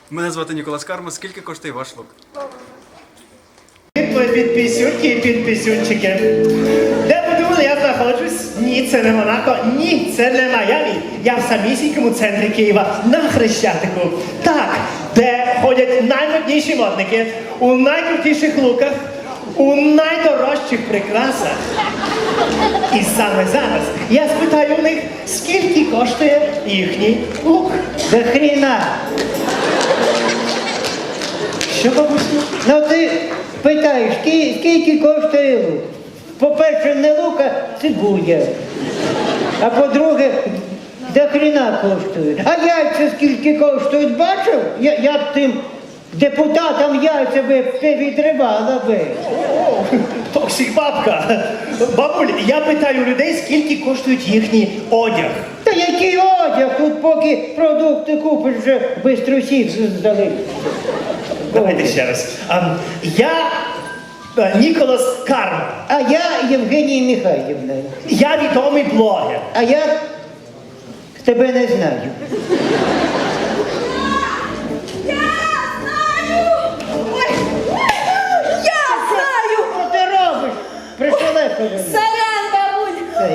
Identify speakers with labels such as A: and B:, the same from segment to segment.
A: Мене звати Ніколас Карма. Скільки коштує ваш лук?
B: Підписюнки і підписюнчики. Де подумали, я знаходжусь? Ні, це не Монако, ні, це не Майамі. Я в самісінькому центрі Києва, на Хрещатику. Так, де ходять наймодніші модники, у найкрутіших луках, у найдорожчих прикрасах. І саме зараз я спитаю у них, скільки коштує їхній лук.
C: До хріна.
B: Що, бабусю?
C: Ну ти питаєш, скільки коштує лук? По-перше, не лук, а цибуля. А по-друге, до хріна коштують. А яйця скільки коштують, бачив? Я б тим депутатам яйця би відривала би.
B: Токсик бабка. Бабуль, я питаю людей, скільки коштують їхній одяг.
C: Та який одяг? Тут поки продукти купиш, вже бистро всі здали.
B: Давайте ще раз. Я Ніколас Карма.
C: А я Євгенія Михайлівна.
B: Я відомий блогер.
C: А я тебе не знаю.
D: Я знаю!
C: Що ти робиш? Пришелепили.
D: Сорян, бабуль!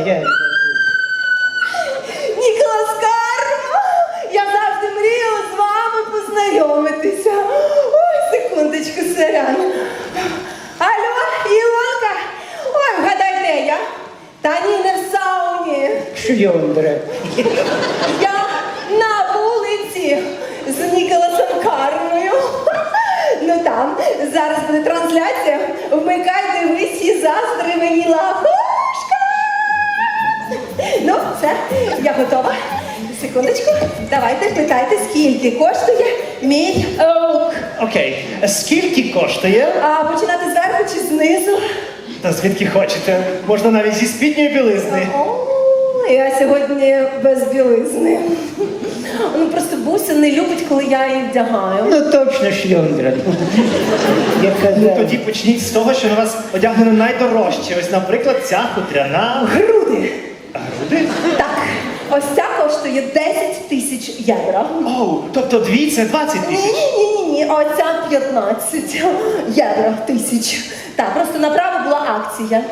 D: Ніколас Карма! Я завжди мріяла з вами познайомитися. Ой, секундочку, сорян. Алло, Ілонка! Ой, вгадай, де я? Та ні, не в сауні.
C: Шльондра.
D: Я на вулиці з Ніколасом Кармою. Ну там, зараз буде трансляція. Вмикай, дивись і заздри мені лапушка. Ну, все, я готова. Секундочку, давайте питайте, скільки коштує мій лук.
B: Окей. Скільки коштує?
D: А починати зверху чи знизу?
B: Та звідки хочете. Можна навіть зі спідньої білизни.
D: О, я сьогодні без білизни. Ну просто Буся не любить, коли я її вдягаю.
C: Ну точно шльондра. Я
B: Ну
C: казав.
B: тоді почніть з того, що на вас одягнено найдорожче. Ось, наприклад, ця хутряна.
D: Груди.
B: Груди?
D: Так, ось ця коштує 10 тисяч євро.
B: Оу, тобто дві це 20 тисяч.
D: Ні, оця 15 євро тисяч. Так, просто направо була акція.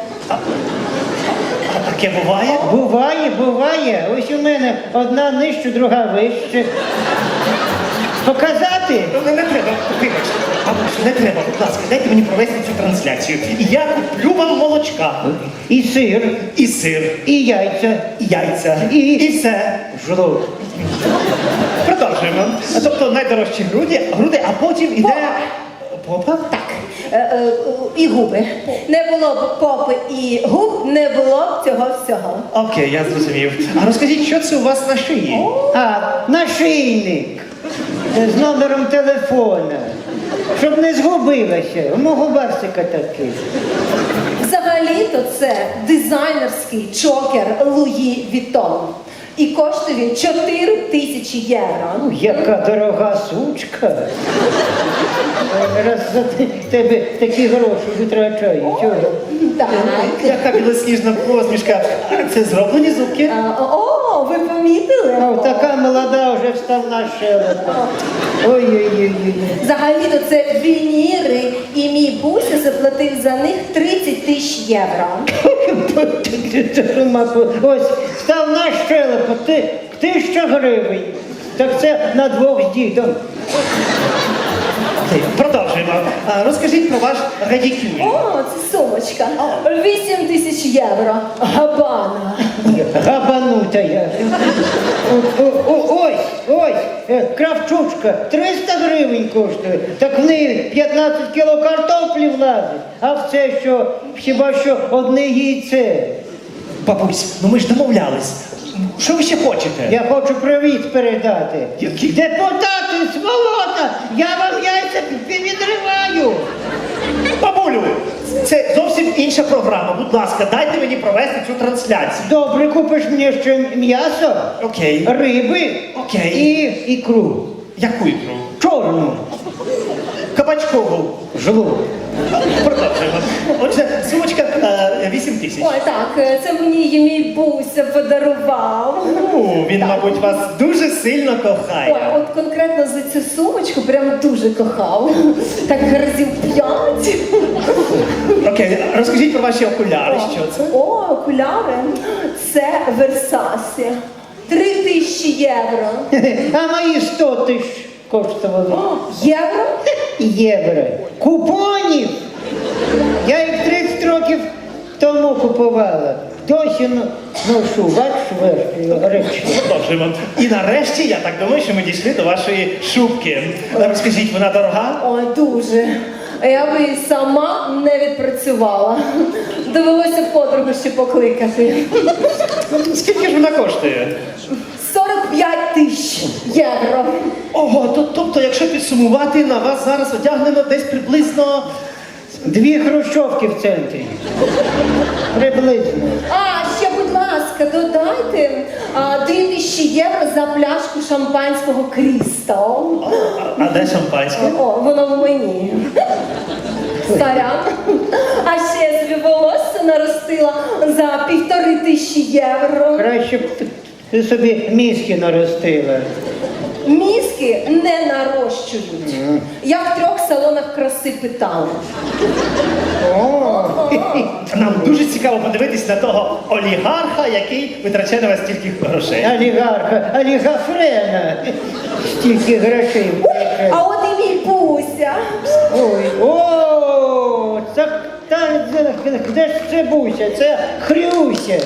B: А таке буває?
C: Буває. Ось у мене одна нижче, друга вище. Показати?
B: Ну, не треба, вибачте. Бабусю, не треба, будь ласка, дайте мені провести цю трансляцію. І я куплю вам молочка.
C: І сир,
B: І сир,
C: і яйця,
B: і яйця,
C: І-
B: і все.
C: жлоб.
B: Продовжуємо. Тобто найдорожчі груди, а потім іде... Попа?
D: Так, і губи. Не було б попи і губ, не було б цього всього.
B: Окей, я зрозумів. А розкажіть, що це у вас на шиї?
C: А, нашийник з номером телефона. Щоб не згубилася. У мого барсика такий.
D: Взагалі-то це дизайнерський чокер Луї Вітон. І коштує він 4 тисячі євро.
C: Яка дорога сучка. Раз за тебе такі гроші витрачаю. Чого?
D: Так.
B: Яка білосніжна посмішка. Це зроблені зубки.
D: О, ви помітили?
C: А така молода вже вставна щелепа. Ой-ой-ой.
D: Взагалі-то це вініри, і мій Буся заплатив за них 30 тисяч євро.
C: Ось, вставна щелепа, 1000 гривень. Так це на двох з дідом.
B: Окей, продовжуємо. Розкажіть про ваш радікюль.
D: О, це сумочка. 8 тисяч євро. Габана.
C: Габанута я. Ось, кравчучка, 300 гривень коштує. Так в неї 15 кіло картоплі влазить. А в це що, хіба що одне яйце.
B: Бабусь, ну ми ж домовлялись. Що ви ще хочете?
C: Я хочу привіт передати.
B: Який?
C: Депутати, сволота, я вам яйця відриваю.
B: Бабулю, це зовсім інша програма. Будь ласка, дайте мені провести цю трансляцію.
C: Добре, купиш мені ще м'ясо,
B: Окей.
C: риби
B: Окей.
C: і ікру.
B: Яку ікру?
C: Чорну.
B: Кабачкову.
C: Жлоб.
B: Продовжуємо. Отже, сумочка 8 тисяч.
D: Ой, так, це мені її мій Буся подарував.
B: Він, мабуть, вас дуже сильно
D: Ой,
B: кохає.
D: от конкретно за цю сумочку прям дуже кохав. Так разів 5.
B: Окей, розкажіть про ваші окуляри, що це?
D: О, окуляри. Це Версасі. 3000 євро.
C: А мої 100 тисяч коштували.
D: О, євро?
C: Євро. Купонів! Я їх 30 років тому купувала. Досі ношу, бачиш, речі.
B: Продовжуємо. І нарешті, я так думаю, що ми дійшли до вашої шубки. Розкажіть, вона дорога?
D: Ой, дуже. Я би і сама не відпрацювала. Довелося подругу ще покликати.
B: Скільки ж вона коштує?
D: 45 тисяч євро.
B: Ого, тобто, якщо підсумувати, на вас зараз одягнено десь приблизно...
C: 2 хрущовки в центрі. Приблизно.
D: А, ще, будь ласка, додайте 2000 євро за пляшку шампанського Крістал.
B: А де шампанське?
D: О, воно в мені. Сорян. А ще я собі волосся наростила за 1500 євро.
C: Краще б ти собі мізки наростила.
D: Мізки не нарощують. Я в 3 салонах краси питала.
C: О,
B: Нам дуже цікаво подивитись на того олігарха, який витрачає на вас стільки грошей.
C: олігарха, олігафрена. Стільки грошей.
D: А от і мій Буся.
C: Ой, о, де ж це Буся? Це Хрюся.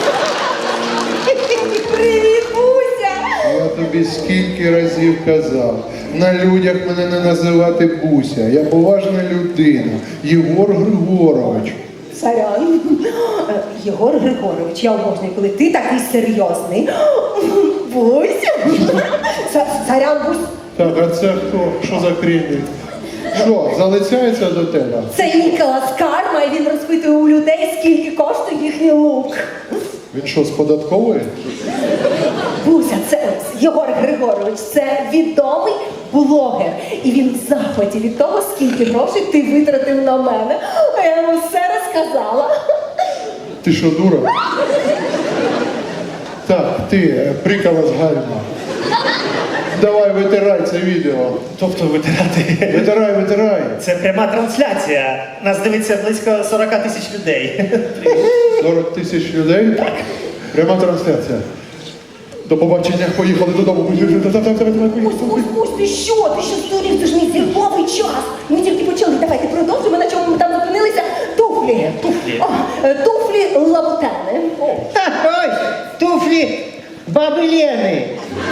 D: Привіт, Буся!
E: Я тобі скільки разів казав, на людях мене не називати Буся. Я поважна людина. Єгор Григорович.
D: Сорян. Єгор Григорович, я обожнюю, коли ти такий серйозний. Буся. Сорян, Бусь.
E: Так, а це хто? Що за крінь? Що, залицяється до тебе?
D: Це Ніколас Карма, і він розпитує у людей, скільки коштує їхній лук.
E: Він що, з податкової?
D: Буся, це Єгор Григорович, це відомий блогер. І він в захваті від того, скільки грошей ти витратив на мене. А я йому все розказала.
E: Ти що, дура? Так, ти, прикола з гальма. Давай, витирай це відео.
B: Тобто витирати.
E: Витирай.
B: Це пряма трансляція. Нас дивиться близько 40 тисяч людей.
E: 40 тисяч людей? Так. Пряма трансляція. До побачення, поїхали додому.
D: Бусь, ти що? Ти що здурів? Це ж мій зірковий час. Ми тільки почали. Давайте продовжимо, на чому ми там зупинилися. Туфлі.
B: Туфлі.
D: О, туфлі лабутени.
C: Ось, туфлі баби Лени.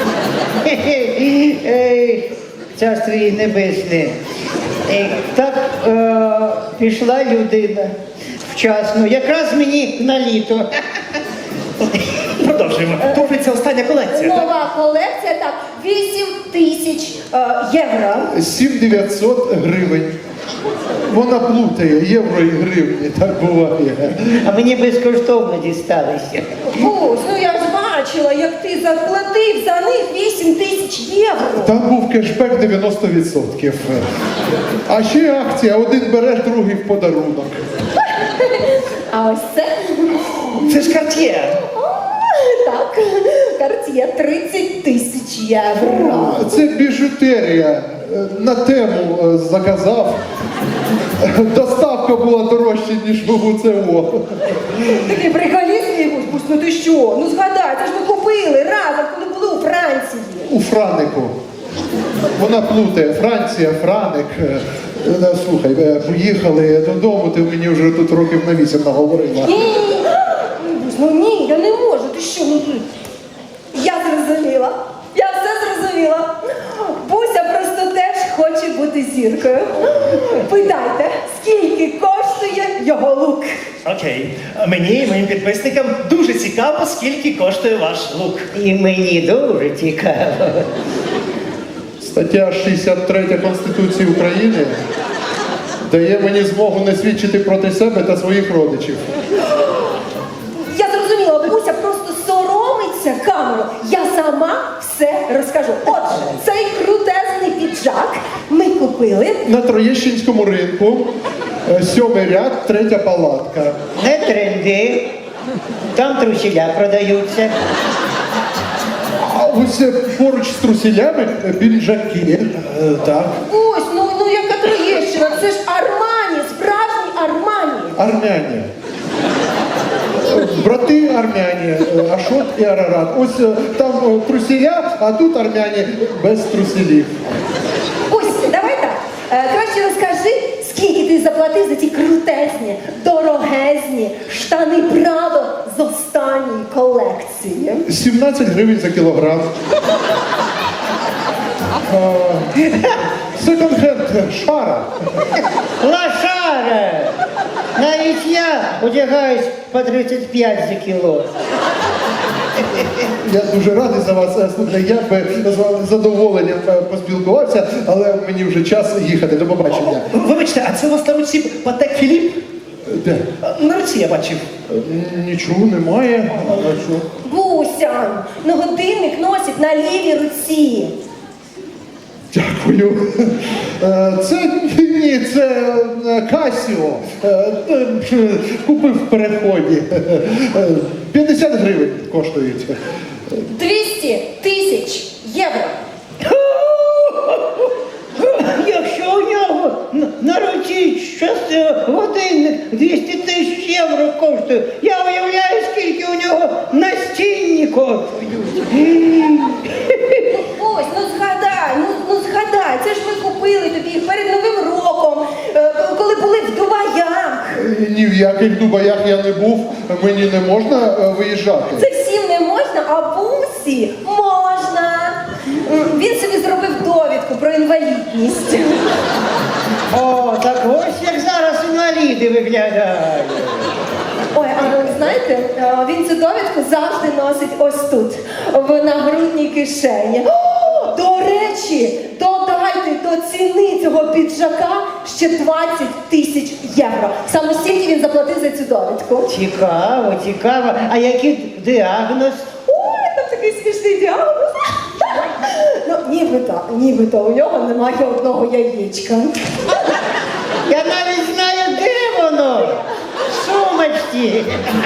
C: Царство їй небесне. Так пішла людина вчасно, якраз мені на літо.
B: Продовжуємо. Туфлі – це остання колекція. так?
D: Нова колекція, так, 8000 євро.
E: 7900 гривень. Вона плутає євро і гривні, так буває.
C: А мені безкоштовно дісталися.
D: Бусь, ну я ж бачила, як ти заплатив за них 8000 євро.
E: Там був кешбек 90%. А ще акція, один береш, другий в подарунок.
D: А ось це?
B: Це ж Cartier.
D: Так, Cartier 30 тисяч євро.
E: Це біжутерія. На тему заказав. Доставка була дорожча, ніж в УЦО.
D: Такий приколіст, Бусь, ну ти що? Ну згадай, це ж ми купили разом, коли були у Франції.
E: У Франику. Вона плутає. Франція, Франик. Слухай, поїхали додому, ти мені вже тут років на 8 наговорила.
D: Ні, Бусь, ну ні, я не можу, ти що? Ну, я зрозуміла, я все зрозуміла. Буся просто теж хоче бути зіркою. Питайте, скільки коштує його лук?
B: Окей. Мені і моїм підписникам дуже цікаво, скільки коштує ваш лук.
C: І мені дуже цікаво.
E: Стаття 63 Конституції України дає мені змогу не свідчити проти себе та своїх родичів.
D: Я зрозуміла, Буся просто соромиться камеру. Я сама все розкажу. Отже, цей крутезний піджак ми купили.
E: На Троєщинському ринку, 7-й ряд, 3-я палатка.
C: Не тренди, там трусіля продаються.
E: ось поруч з труселями піджаки. Так.
D: Ось, ну яка Троєщина, це ж Армані, справжній Армані.
E: Армяні. Брати армяні, Ашот і Арарат. Ось там труселя, а тут армяні без труселів.
D: Ось, давай так. Краще розкажи, скільки ти заплатив за ті крутезні, дорогезні штани Прадо з останньої колекції.
E: 17 гривень за кілограм. Секонд-хенд, шара.
C: Лошара! Навіть я одягаюсь по 35 за кіло.
E: Я дуже радий за вас. Слухайте, я би з вами з задоволенням поспілкувався, але мені вже час їхати. До побачення.
B: Вибачте, а це у вас на руці Патек Філіп?
E: Де?
B: На руці я бачив.
E: Нічого немає. А що?
D: Буся, ну годинник носить на лівій руці.
E: Дякую. Це Касіо. Купив в переході. 50 гривень коштують.
D: 200 тисяч євро.
C: Якщо у нього на руці щось годинник 200 тисяч євро коштує, я уявляю, скільки у нього настінні коштують.
D: Ось, ну згадай, це ж ми купили тобі їх перед Новим роком, коли були в Дубаях.
E: Ні в яких Дубаях я не був, мені не можна виїжджати.
D: Це всім не можна, а Бусі можна. Він собі зробив довідку про інвалідність.
C: О, так ось як зараз інваліди виглядають.
D: Ой, а ви знаєте, він цю довідку завжди носить ось тут, в нагрудній кишені. О, до речі, додайте до ціни цього піджака ще 20 тисяч євро. Саме стільки він заплатив за цю довідку.
C: Цікаво, цікаво. А який діагноз?
D: Ой, там такий смішний діагноз. Ну, нібито у нього немає одного яєчка.
C: Я навіть знаю, де воно. В сумочці.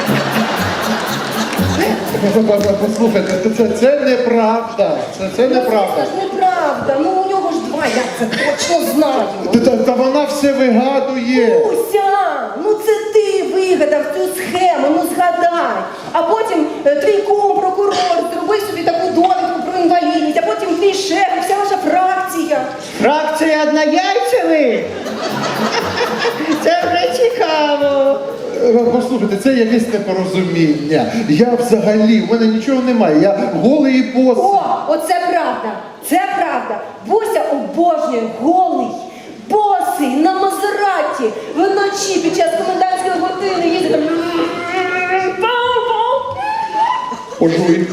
E: Послухайте, це неправда. Це неправда.
D: Це ж неправда. Ну у нього ж два, я це точно знаю.
E: Та вона все вигадує.
D: Уся, ну це ти вигадав цю схему, ну згадай. А потім твій кум, прокурор, зробив собі таку довідку про інвалідність, а потім твій шеф, і вся ваша фракція.
C: Фракція однояйцевих? Це вже цікаво.
E: Послухайте, це якесь непорозуміння. Я взагалі, в мене нічого немає. Я голий і босий.
D: О, оце правда. Це правда. Буся обожнює голий, босий, на Мазераті, вночі під час комендантської години їздить там.
E: Пожуй.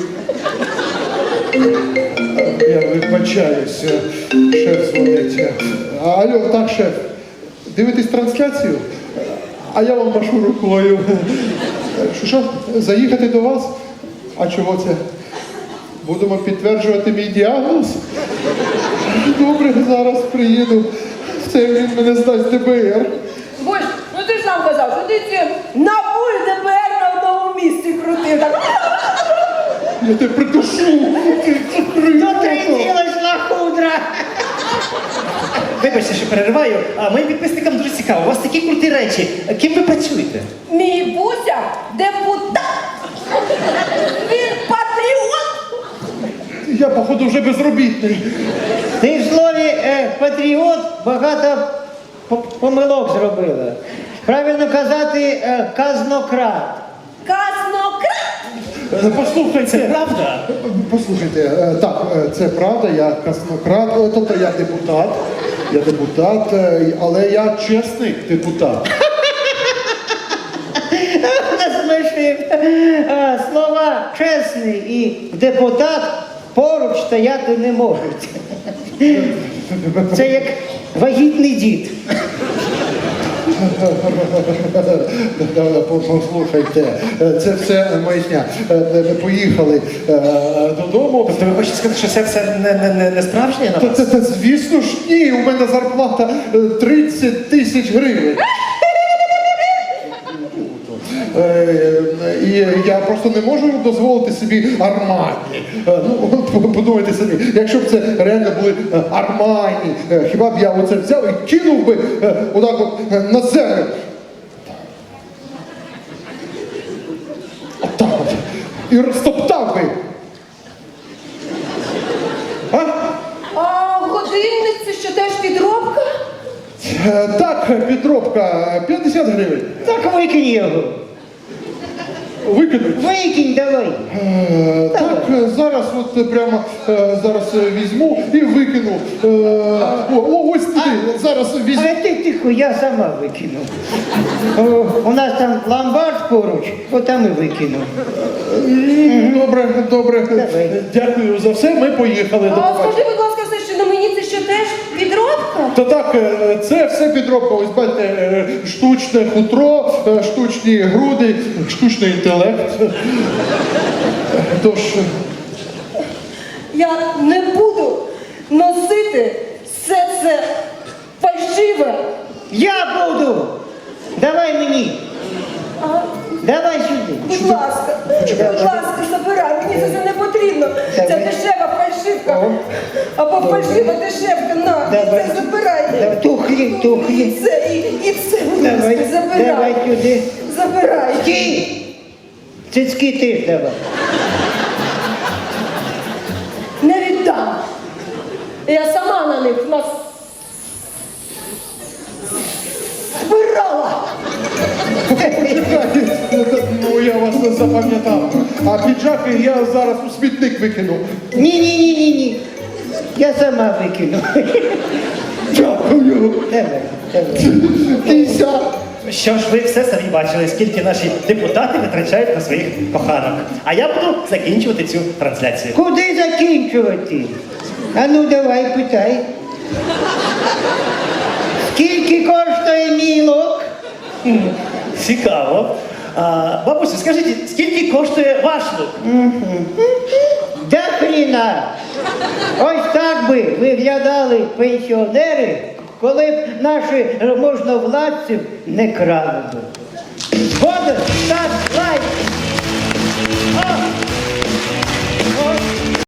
E: Я вибачаюся. Шеф дзвонить. Алло, так, шеф. Дивитесь трансляцію? А я вам машу рукою. Що? Заїхати до вас? А чого це? Будемо підтверджувати мій діагноз? Добре, зараз приїду. Це він мене здасть ДБР.
D: Бусь, ну ти ж сам казав, що ти ці НАБУ і ДБР на одному місці крутив. Так.
E: Я тебе придушу.
C: Дотриділась лахудра.
B: Вибачте, що перериваю, а моїм підписникам дуже цікаво. У вас такі круті речі. Ким ви працюєте?
D: Мій Буся депутат. Він патріот.
E: Я, походу, вже безробітний.
C: Ти в слові патріот багато помилок зробила. Правильно казати казнократ.
D: Казнократ.
E: Послухайте.
B: Це правда?
E: Послухайте, так, це правда, я казнократ, тобто я депутат, але я чесний депутат.
C: Насмішив. Слова чесний і депутат поруч стояти не можуть. Це як вагітний дід.
E: Послухайте, це все маячня. Поїхали додому.
B: Тобто ви хочете сказати, що це все не справжнє на вас?
E: Та, звісно ж, ні, у мене зарплата 30 тисяч гривень. І я просто не можу дозволити собі Армані. Ну, подумайте самі, якщо б це реально були Армані, хіба б я оце взяв і кинув би отак от на землю. Отак от. І розтоптав би. А?
D: А годинник це що теж підробка?
E: Так, підробка, 50 гривень.
C: Так викинь його.
E: Викинуть.
C: Викинь давай.
E: Так, зараз от прямо зараз візьму і викину. Ось туди, зараз візьму.
C: А ти тихо, я сама викину. У нас там ломбард поруч, отам і викину.
E: Добре, добре.
C: Давай.
E: Дякую за все, ми поїхали. До
D: А
E: побачення.
D: скажи, будь ласка, все, що на мені це що теж підробка?
E: Та так, це все підробка. Ось бачите, штучне хутро, штучні груди, штучний інтелект. Тож,
D: Я не буду носити все це фальшиве.
C: Я буду! Давай мені!
D: А,
C: Давай сюди!
D: будь ласка, забирай, мені це не потрібно. Це
C: Давай.
D: дешева фальшивка. Або фальшива дешевка, на,
C: Давай.
D: це забирай.
C: Давай, тухлі, тухлі.
D: І це, будь
C: Давай,
D: ласка, забирай.
C: давай сюди.
D: Забирай.
C: Стій! Цицьки теж давай.
D: Не віддам. Я сама на них збирала.
E: ну я вас не запам'ятав. А піджаки я зараз у смітник викину.
C: Ні. Я сама викину.
E: Дякую.
C: Давай, давай.
E: Кися.
B: Що ж ви все самі бачили, скільки наші депутати витрачають на своїх коханок. А я буду закінчувати цю трансляцію.
C: Куди закінчувати? А ну давай, питай. Скільки коштує мій лук?
B: Цікаво. Бабусю, скажіть, скільки коштує ваш лук?
C: Да хріна! Ось так би виглядали пенсіонери, коли б наші можновладців не крали би. Згоден, став лайк!